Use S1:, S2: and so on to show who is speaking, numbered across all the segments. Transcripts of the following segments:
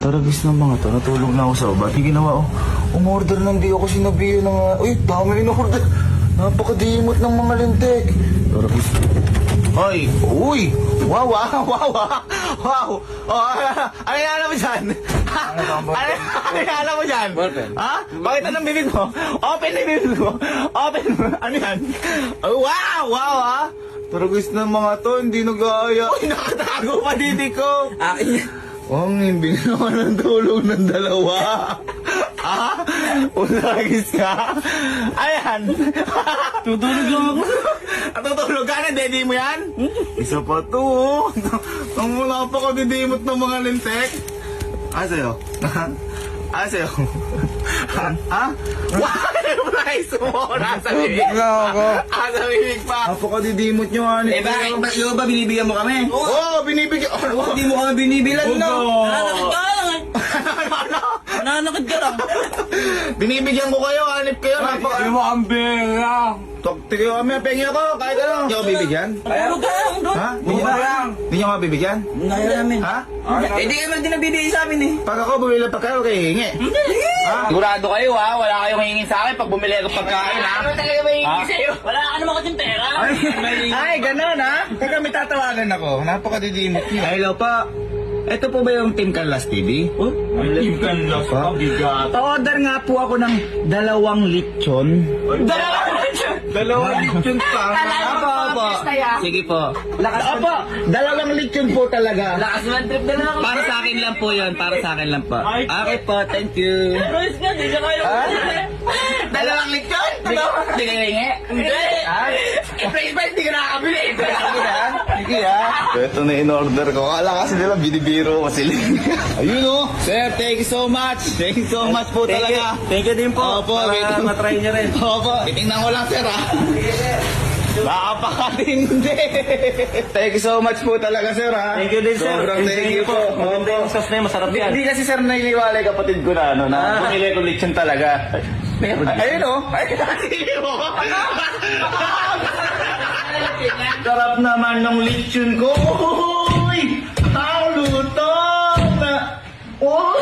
S1: Taragis ng mga to, natulog na ako sa baba. Hindi ginawa, umorder nang di ako sinabihan ng... Uy, dami in-order. Napakadimot ng mga lintik. Taragis. Ay, uy! Wow, wow, wow, wow! Oh, ano yan mo dyan? Ano yan mo dyan? Ha? Bakit anong bibig mo? Open na bibig mo! Open mo! Ano yan? Oh, wow! Wow, ha? Taragis ng mga to, hindi nag-aaya. Uy, nakatago pa dito ko! Ang himbing naman ng tulog ng dalawa. Ah? Ulagis ka? Ayan. Tutulog lang ako. Tutulog ka na, daddy mo yan? Isa pa to. Ang wala pa ko didimot ng mga lintek. Sa'yo? Sa'yo? Ha? Nice mo! Nasa bibig
S2: lang ako.
S1: Nasa bibig pa. Napakadidimot nyo, ano?
S2: Eh bakit ba binibigyan mo kami?
S1: Oo, binibigyan.
S2: Hindi mo kami binibilan, no?
S3: Nananakit ka lang eh. Nananakit ka lang.
S1: Binibigyan ko kayo, hanip kayo.
S2: Hindi mo ang bera.
S1: Tigil kami, pengi ako, kahit ano. Hindi ako bibigyan?
S3: Tulog ka lang doon.
S1: Ha?
S2: lang.
S1: Hindi nyo ako bibigyan?
S3: Kaya namin.
S1: Ha?
S2: Eh di naman din nagbibigay sa amin eh.
S1: Pag ako bumili ng pagkain, kayo hihingi. Ha?
S4: Sigurado kayo ha, wala kayong hingin sa akin pag bumili ako pagkain ha.
S3: Ano talaga ba yung sa'yo? Wala ka naman kasing pera.
S1: Ay, ganun ha? Teka, may tatawagan ako. Napakadidimot nyo. Hello pa. Ito po ba yung Team Canlas TV?
S4: Team Canlas
S1: pa? Pa-order nga po ako ng 2 lechon.
S2: Dalawang lechon pa.
S1: Opo. Sige po. Opo, 2 lechon po talaga.
S3: Lakas naman trip na lang.
S1: Para sa akin lang po yun. Para sa akin lang po. Okay po, thank you.
S3: Royce nga, di ka kaya.
S1: 2 lechon? Hindi ka hingi?
S3: Hindi.
S1: Price, hindi ka nakakabili. Sige ha. Ito na in-order ko. Kala kasi nila binibiro ko sila. Ayun o. Sir, thank you so much. Thank you so much po talaga.
S2: Thank you din po.
S1: Opo,
S2: Para matry niyo rin.
S1: Opo, titingnan ko lang sir ha. Napakatindi. Thank you so much po talaga sir ha.
S2: Thank you din, sir.
S1: Sobrang thank you po.
S2: Maganda yung sauce na yun, masarap yan.
S1: Hindi kasi sir nailiwalay kapatid ko na ano na bumili ko lechon talaga. Ayun o. Sarap naman ng lechon ko. Uy! Ang lutong na. Oh!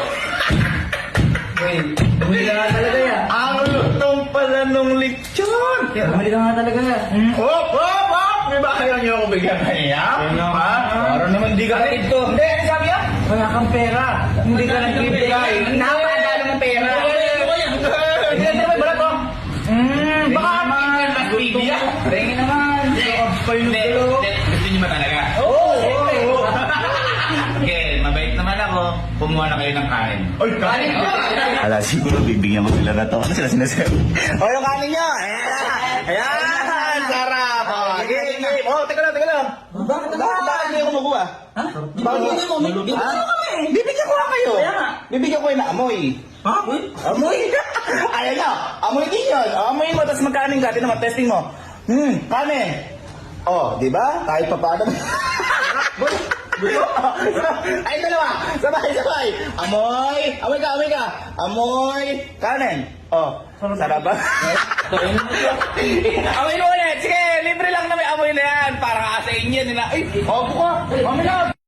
S2: Bumili ka nga talaga yan.
S1: Ang lutong pala nung lechon.
S2: Bumili ka nga talaga yan.
S1: Hop! Hop! Hop! May ba kayo niyo ako bigyan kanya? Ha? Para naman di ka kapit to. Hindi, ano sabi yan?
S2: Wala kang pera. Hindi ka nagbibigay.
S1: Napakadala ng pera. Hindi na may balat ko. Baka Canlas TV yan.
S2: Tingin naman.
S4: Gusto niyo ba talaga?
S1: Oo!
S4: Okay, mabait naman ako. Kumuha na kayo ng kain.
S1: Ay, kanin ko! Ala, siguro bibigyan mo sila na to. Ano sila sinasabi? O, yung kanin nyo! Ayan! Sarap! Oh, teka lang. Bakit hindi ako makuha?
S3: Ha? Bakit hindi mo? Bibigyan mo kami.
S1: Bibigyan ko lang kayo.
S3: Kaya nga.
S1: Bibigyan ko kayo na amoy.
S2: Ha?
S1: Amoy? Ayan na. Amoy din yun. Amoy mo, tapos magkanin ka. Naman, testing mo. Kanin. Oh, di ba? Kahit pa paano. Ay, dalawa. Sabay. Amoy. Amoy ka. Amoy. Kanin. Oh, sarap ba? Amoy mo ulit. Sige, libre lang na may amoy na yan. Para sa inyo nila. Ay, opo ka. Amoy na.